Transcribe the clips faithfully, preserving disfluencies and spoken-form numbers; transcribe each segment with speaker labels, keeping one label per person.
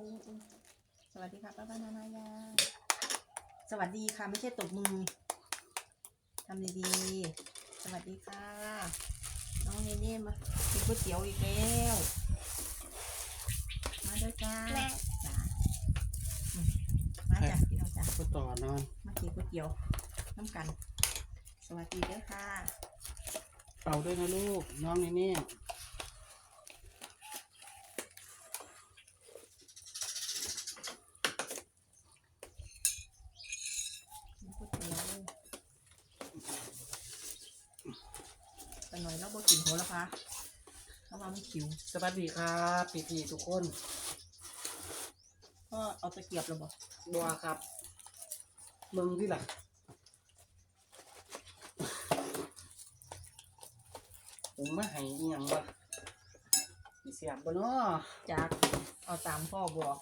Speaker 1: สวัสดีค่ะป้าป้านานายาสวัสดีค่ะไม่ใช่ตบมือทำดีๆสวัสดีค่ะน้องเนเน่มากินก๋วยเตี๋ยวอีกแล้วมาด้วยจ้าจ้ามาจ้ะพี่น้องจ้า
Speaker 2: ก็ต่อนอน
Speaker 1: มากินก๋วยเตี๋ยวน้ำกันสวัสดีด้วยค่ะ
Speaker 2: เป่าด้วยนะลูกน้องนี่นี่
Speaker 1: แต่หน่อยเราบอกกินโหระพาเพราะว่ามันคิว
Speaker 2: สวัสดีครับพี่ๆทุกคน
Speaker 1: ก็เอาตะเกียบเราบอก
Speaker 2: บัวครับมึงที่หลังผมมาให้อีหยังวะมีเสียบบ่เนาะ
Speaker 1: จากเอาตามพ่อบอก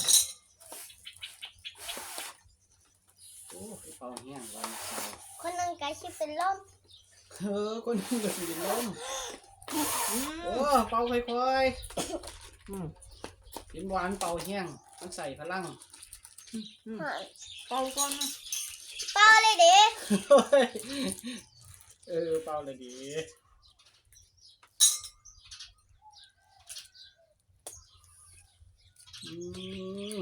Speaker 2: โอ้ยเป่าเหี้ยงวันเสาร์
Speaker 3: คนนึงกายชิเป็นลม
Speaker 2: เออคนนึงก็สิเป็นลมโอ้เป่าค่อยๆอืมกินหวานเป่าเหี้ยงมันใส่พลัง
Speaker 1: เป่าก่อน
Speaker 3: เป่าเลยดิ
Speaker 2: เออเป่าเลยดิอืม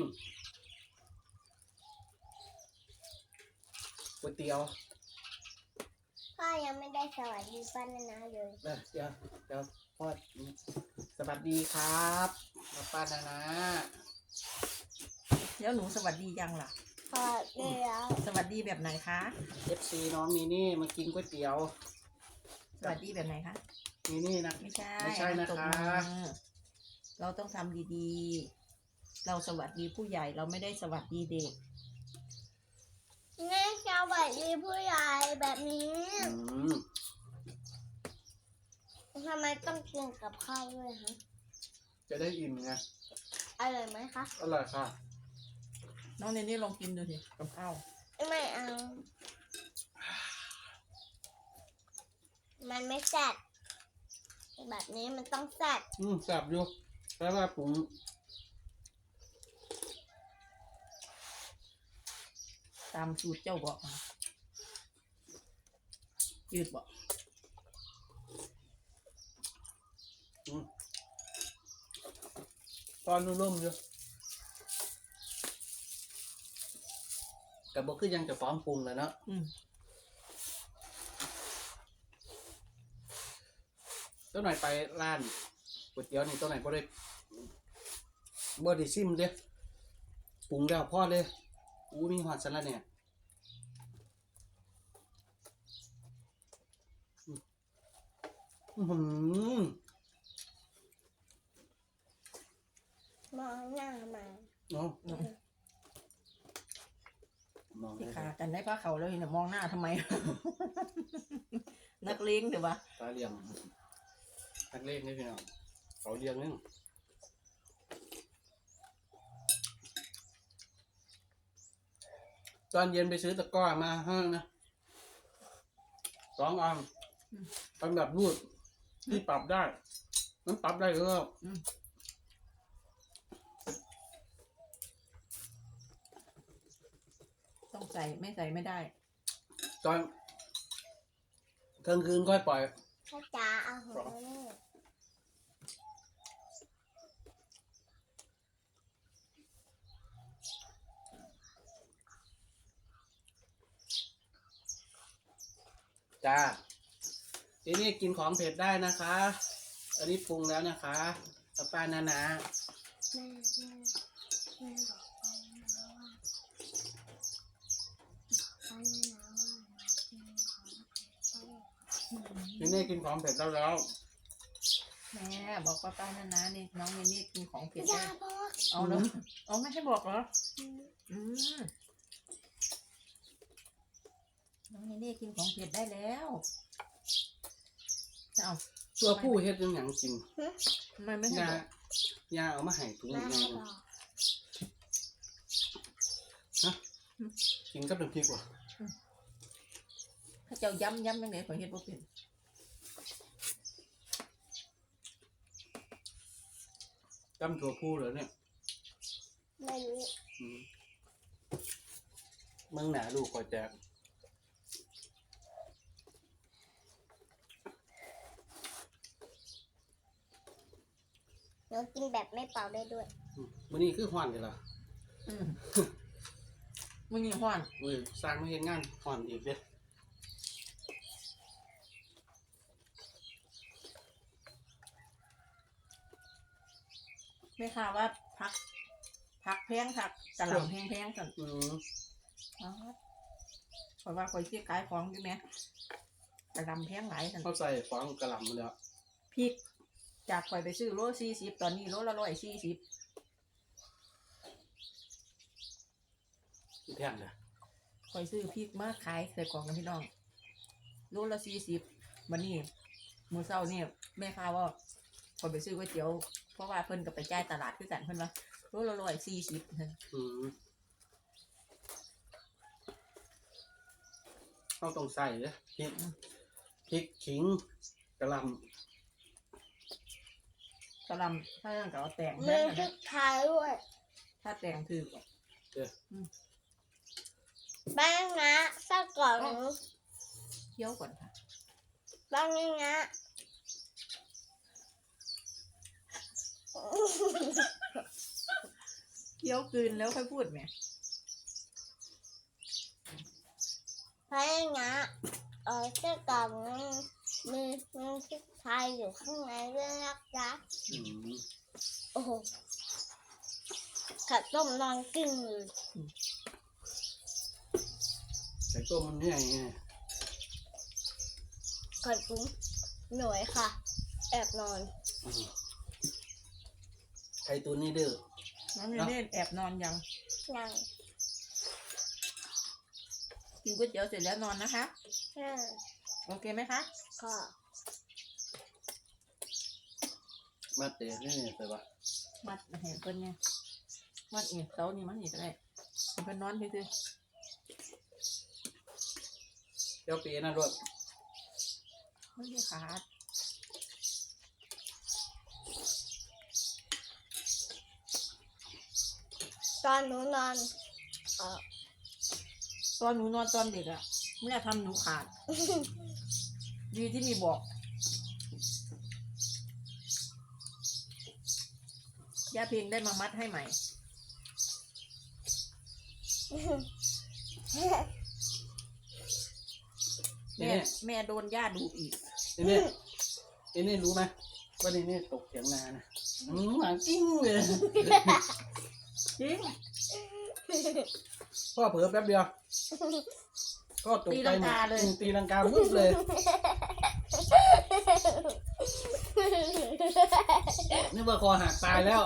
Speaker 2: ก๋วยเตี๋ยว
Speaker 3: พ่อยังไม่ได้สวัสดีป้านานาเลย
Speaker 2: เดี๋ยวเดี๋ยวพ่อสวัสดีครับป้านานา
Speaker 1: เดี๋ยวหนูสวัสดียังล่ะ
Speaker 3: พอเดี๋ยว
Speaker 1: สวัสดีแบบไหนคะ
Speaker 2: เอฟซีน้องนี่นี่มากินก๋วยเตี๋ยว
Speaker 1: สวัสดีแบบไหนคะ
Speaker 2: นี่นี่นะ
Speaker 1: ไม่ใช่
Speaker 2: ไม่ใช่นะคะ
Speaker 1: เราต้องทำดีๆเราสวัสดีผู้ใหญ่เราไม่ได้สวัสดีเด็ก
Speaker 3: แม่สวัสดีผู้ใหญ่แบบนี้ทำไมต้องกินกับข้าวด้วยฮะ
Speaker 2: จะได้อิ่มไง
Speaker 3: อร่อยไหมคะ
Speaker 2: อร่อยค่ะ
Speaker 1: น้องเนนี่ลองกินดูสิกับข้าว
Speaker 3: ไม่เอามันไม่แซ่บแบบนี้มันต้องแซ่บ
Speaker 2: อืมแซ่บอยู่แปลว่าผม
Speaker 1: ตามสูตรเจ้าบอกมายืดบอก
Speaker 2: ตอนนุ่มๆอยู่กับบอกคือยังจะฟ้องปรุงเลยเนาะตัวไหนไปร้านก๋วยเตี๋ยวนี่ตัวไหนก็ได้บ่ได้ซิมเด้ปรุงแล้วพอเลยอู้มีหอดสันละเนี่ยอือหือ
Speaker 3: มองหน้ามา
Speaker 2: เนาะ
Speaker 1: ที่ขากันได้ผ้าเขาแล้วเนี่ยมองหน้าทำไม นักเลงเดี๋ยววะ
Speaker 2: ตาเลี้ยงนักเลงนี่พี่น้องเขาเลี้ยงนึงตอนเย็นไปซื้อตะกร้อมาให้นะสองอันทำแบบรูดที่ปรับได้นั้นปรับได้ก็
Speaker 1: ต้องใส่ไม่ใส่ไม่ได้
Speaker 2: ตอนกลางคืนค่อยปล่อย
Speaker 3: พ่อจ๋าเอาหัวนี่
Speaker 2: จ้าทีนี้กินของเผ็ดได้นะคะอันนี้ปรุงแล้วนะคะป้านานา
Speaker 3: แม่แม่แม่บอกป้านานาว่าป้านานาว่า
Speaker 2: ทีนี้กินของเผ็ดแล้วแล้ว
Speaker 1: แม่บอกป้าป้านานานี่น้องเนนี่กินของเผ็ด
Speaker 3: ได้
Speaker 1: เอาเนาะเอาไม่ให้บอกเหรออืมน้องเนนี่กินของเผ็ดได้แล้วเอา
Speaker 2: ตัวผู้เฮ็ดยังหยังกิน
Speaker 1: ทำไมไม่ให้บอก
Speaker 2: ยาเอามาให้ถุงยังฮะกินกับน้ำพริกว่ะ
Speaker 1: ถ้าเจ้าย้ำย้ำยังไงขอเฮ็ดบ่เป็น
Speaker 2: จำตัวผู้เหรอเนี่ย
Speaker 3: ไม่รู้
Speaker 2: อืมมึงหนาลูกคอยแจก
Speaker 3: หนูกินแบบไม่เป่าได้ด้วย
Speaker 2: อืมมื้อนี้คือฮ้อนกันล่ะ
Speaker 1: อืมมึงนี่ห้อน
Speaker 2: อุ้ยสร้างมาเฮ็ดงานฮ้อนอีกเด้อ
Speaker 1: ไม่ค่ะว่าพัก พักแพงค่ะกะหล่ำแพงๆกัน
Speaker 2: อืม
Speaker 1: อ๋อเพราะว่าคอยที่ขายของอยู่ไหมกะหล่ำแพงหลายกัน
Speaker 2: เขาใส่ฟองกะหล่ำมาแล้ว
Speaker 1: พริกจากคอยไปซื้อโลสี่สิบตอนนี้โลละร้อยสี่สิบ
Speaker 2: แพงเด้อ
Speaker 1: คอยซื้อพริกมาขายใส่กล่องกันพี่น้องโลละสี่สิบวันนี้มื้อเช้านี่แม่ค้าว่าคอยไปซื้อก๋วยเตี๋ยวเพราะว่าเพิ่นก็ไปจ่ายตลาดคือกันเพิ่นว่าโลละร้อยสี่สิบ
Speaker 2: อืมเขาต้องใส่เด้อพริกพริกขิงกะหล่ำ
Speaker 1: กะหล่ำถ้าอย่างกับเอาแตง
Speaker 3: มื
Speaker 1: แม่
Speaker 3: อน ทุกทายด้วย
Speaker 1: ถ้าแตงถือ
Speaker 3: บ้างนะสักกล่อง
Speaker 1: เคี่ยวก่อนค่ะ
Speaker 3: บ้างนะ
Speaker 1: เคี่ยวกลืนแล้วค่อยพูดไหม
Speaker 3: บ้างนะเออสักกล่องมือมือทุกทายอยู่ข้างในด้วยนะจ๊ะ
Speaker 2: อืม
Speaker 3: โอ้โหขัดต้มนอนกึ่งเลย
Speaker 2: ไก่ต้มมันเหนื่อยไง
Speaker 3: ขัดกุ้งหน่วยค่ะ แอบนอน
Speaker 2: อืมไก่ตัวนี้เด้อ
Speaker 1: น้องเนเน่แอบนอนยัง
Speaker 3: ยัง
Speaker 1: กินก๋วยเตี๋ยวเสร็จแล้วนอนนะคะ
Speaker 3: ยัง
Speaker 1: โอเคไหมคะ
Speaker 3: ค่ะ
Speaker 2: มาเตะนี่ไปวะ
Speaker 1: มัดเห็นเพิ่นไงมัดเอียเสานี่มันนี่ก็ได้ให้เพิ่นนอนซื่อ
Speaker 2: เดี๋ยวปีนั่นด้วย
Speaker 1: ๆไม่ได้ขาด
Speaker 3: ตอนหนูนอนเออ
Speaker 1: ตอนหนูนอนตอนเด็กอะแม่ทำหนูขาด ดีที่มีบอกย่าเพลงได้มามัดให้ใหม่ แม่แม่โดนย่าดุอีก
Speaker 2: ไอ้เนี่ยไอ้นี่รู้ไหมว่าไอ้นี่ตกเถียงนานะอืมหวานกิ้งเลย
Speaker 1: จริง
Speaker 2: พ่อเผลอแป๊บเดียวก็ตก
Speaker 1: ตี
Speaker 2: ใจ
Speaker 1: ลัง
Speaker 2: หมด
Speaker 1: กาเลย
Speaker 2: อืมตีลังกาวุบเลยนึกว่าคอหักตายแล้ว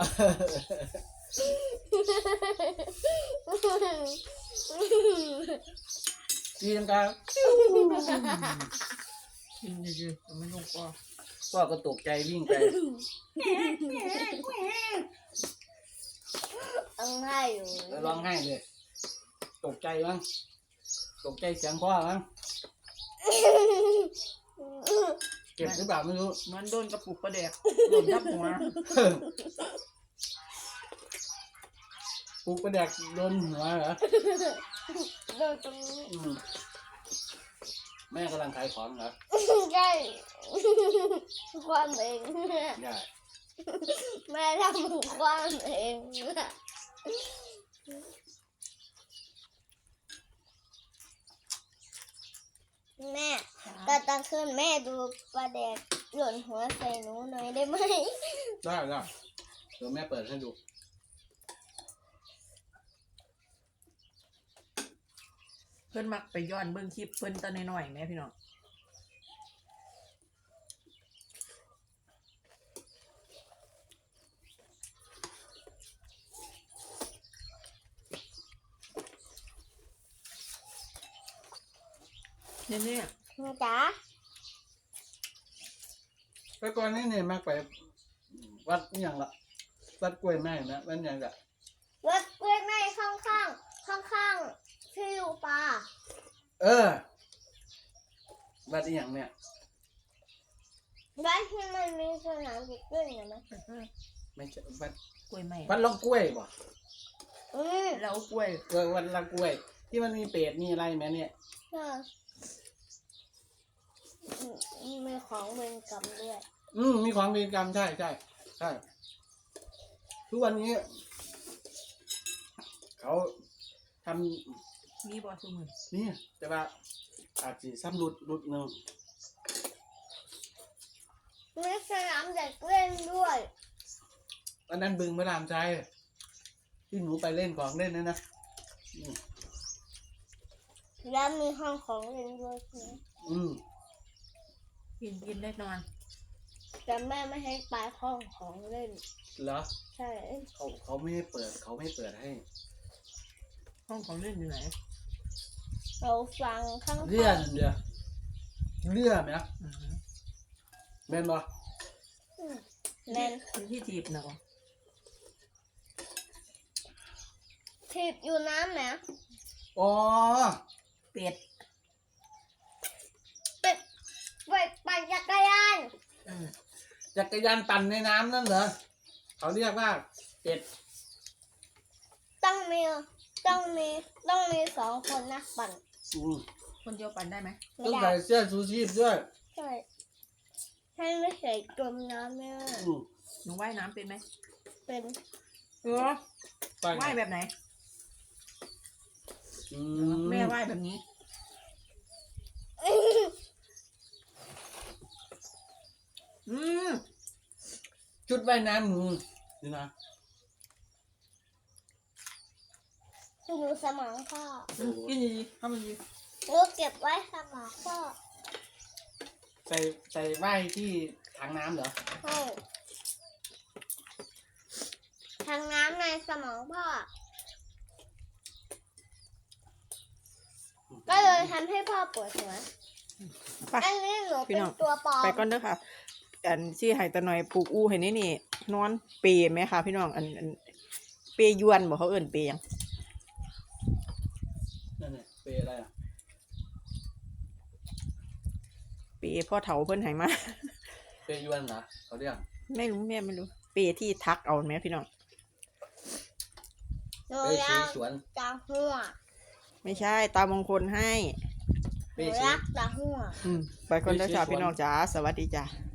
Speaker 2: ตีลังกา
Speaker 1: จริงจริงๆไม่ลงคอ
Speaker 2: พ่อก็ตกใจวิ่งไป
Speaker 3: ต้องให้อยู่
Speaker 2: แล้วร้องไห้เลย ตกใจมั้งตกใจเสียงพ่อมั้งเก็บหรือเปล่าไม่รู้
Speaker 1: มันโดนกระปุกประแดกโดนทับหัว
Speaker 2: ปลูกประแดกโดนหัวเหรอ
Speaker 3: โดนตรงนี้
Speaker 2: อืมแม่กำลังขายของเหรอ
Speaker 3: ใช่ความเอง
Speaker 2: ใช่
Speaker 3: แม่ทำความเองแม่ตอนกลางคืนแม่ดูปลาแดกหล่นหัวใส่หนูหน่อยได้ไหม
Speaker 2: ได้ได้เดี๋ยวแม่เปิดให้ดู
Speaker 1: เพิ่นมักไปย้อนเบิ่งคลิปเพิ่นตอนน้อยๆแม่พี่น้องเนี่ยเนี่ย
Speaker 3: นะจ๊ะ
Speaker 2: แต่ก่อนนี่เนี่ยมากไปวัดนี่อย่างละวัดกล้วยแม่นะวัดอย่างละ
Speaker 3: วัดกล้วยไม้ข้างข้างข้างข้างๆที่อยู่ปลา
Speaker 2: เออวัดนี่อย่างเนี่ย
Speaker 3: วัดที่มันมีสนามเด็กเล่นนะไหม
Speaker 2: ไม่ใช่วัด
Speaker 1: กล้วยไม้
Speaker 2: วัดลองกล้วยบ่
Speaker 3: อืม
Speaker 1: แล้วกล้วย
Speaker 2: เออวันละกล้วย ที่มันมีเป็ดมีอะไรไหมเนี่ย
Speaker 3: ใช่อืมมีของเวรกรรมด้วย
Speaker 2: อืมมีของเวรกรรมใช่ใช่ใช่ทุกวันนี้ เขาทำ
Speaker 1: มีบอสมือ
Speaker 2: นี่แต่ว่าอาจจะซ้ำรุดรุดหนึ่ง
Speaker 3: มีสนามเด็กเล่นด้วย
Speaker 2: อันนั้นบึงพระรามใจที่หนูไปเล่นของเล่นนั่นนะอืม
Speaker 3: และมีห้องของเล่นด้วยใช่ไหม
Speaker 2: อืม
Speaker 1: กินกินได้นอน
Speaker 3: แต่แม่ไม่ให้ไปห้องของเล่น
Speaker 2: เหรอ
Speaker 3: ใช่
Speaker 2: เขาเขาไม่ให้เปิด เขาไม่เปิดให้
Speaker 1: ห้องของเล่นอยู่ไหน
Speaker 3: เราฟังข้างๆ
Speaker 2: เลื่อนเดียวเลื่อนไหมนะ
Speaker 1: อืม
Speaker 2: แม่นบ่
Speaker 3: อืมแน่น
Speaker 1: เป็นที่ถีบนะบ่
Speaker 3: ถีบอยู่น้ำไหม
Speaker 2: อ๋อ
Speaker 1: เป็ด
Speaker 3: เป็ดเป็ดปั่นจักรยาน
Speaker 1: อืม
Speaker 2: จักรยานปั่นในน้ำนั่นเหรอ เขาเรียกว่าเป็ด
Speaker 3: ต้องมีต้องมีต้องมีสองคนนะปั่น
Speaker 2: อืม
Speaker 1: คนเดียวปั่นได้ไหม
Speaker 3: ไม่
Speaker 2: ต้อง
Speaker 3: ได้
Speaker 2: ใส่เสื้อชูชีพด้วย
Speaker 3: ใช่ให้ไม่ใส่จมน้ำเนี่ย
Speaker 2: อืม
Speaker 1: หนูว่ายน้ำเป็นไหม
Speaker 3: เป็น
Speaker 1: เออ
Speaker 2: ไป
Speaker 1: ว่ายแบบไหน
Speaker 2: อื
Speaker 1: แม่ว่ายแบบนี้ อืม
Speaker 2: ชุดว่ายน้ำมึงนี่นะ
Speaker 3: หนูสมองพ่อ
Speaker 1: กินดีๆทำดี
Speaker 3: หนูเก็บไว้สมองพ่อ
Speaker 2: ใส่ใส่ว่ายที่ถังน้ำเหรอ
Speaker 3: ใช่ทางน้ำในสมองพ่อ ก็เลยทำให้พ่อปวดหัว
Speaker 1: ไป
Speaker 3: อันนี้หนู
Speaker 1: พี่
Speaker 3: เป็น
Speaker 1: น้อง
Speaker 3: ตัวปลอม
Speaker 1: ไปก่อนเด้อค่ะ อันที่ไห้ตะหน่อยปลูกอู้ให้นี่นี่ นอนเปรไหมคะพี่น้อง อันอันเปรยวนบอกเขาเอิ่นเปรยัง
Speaker 2: นั่นไงเปย์อะไรอ่ะ
Speaker 1: เปรพ่อเถาเพิ่นใหายมา
Speaker 2: เปย์ยวนเหรอเขาเรียก
Speaker 1: ไม่รู้แม่ไม่รู้ เปรที่ทักเอาไหมพี่น้อง
Speaker 3: หนู
Speaker 2: เปย์
Speaker 3: รั
Speaker 2: สี
Speaker 3: ก
Speaker 2: สวน
Speaker 3: ตาหัว
Speaker 1: ไม่ใช่ตามงคลให้
Speaker 3: หนูรักตาหัว
Speaker 1: อืมไปก่อนเด้อจ้าพี่น้องจ๋าสวัสดีจ้า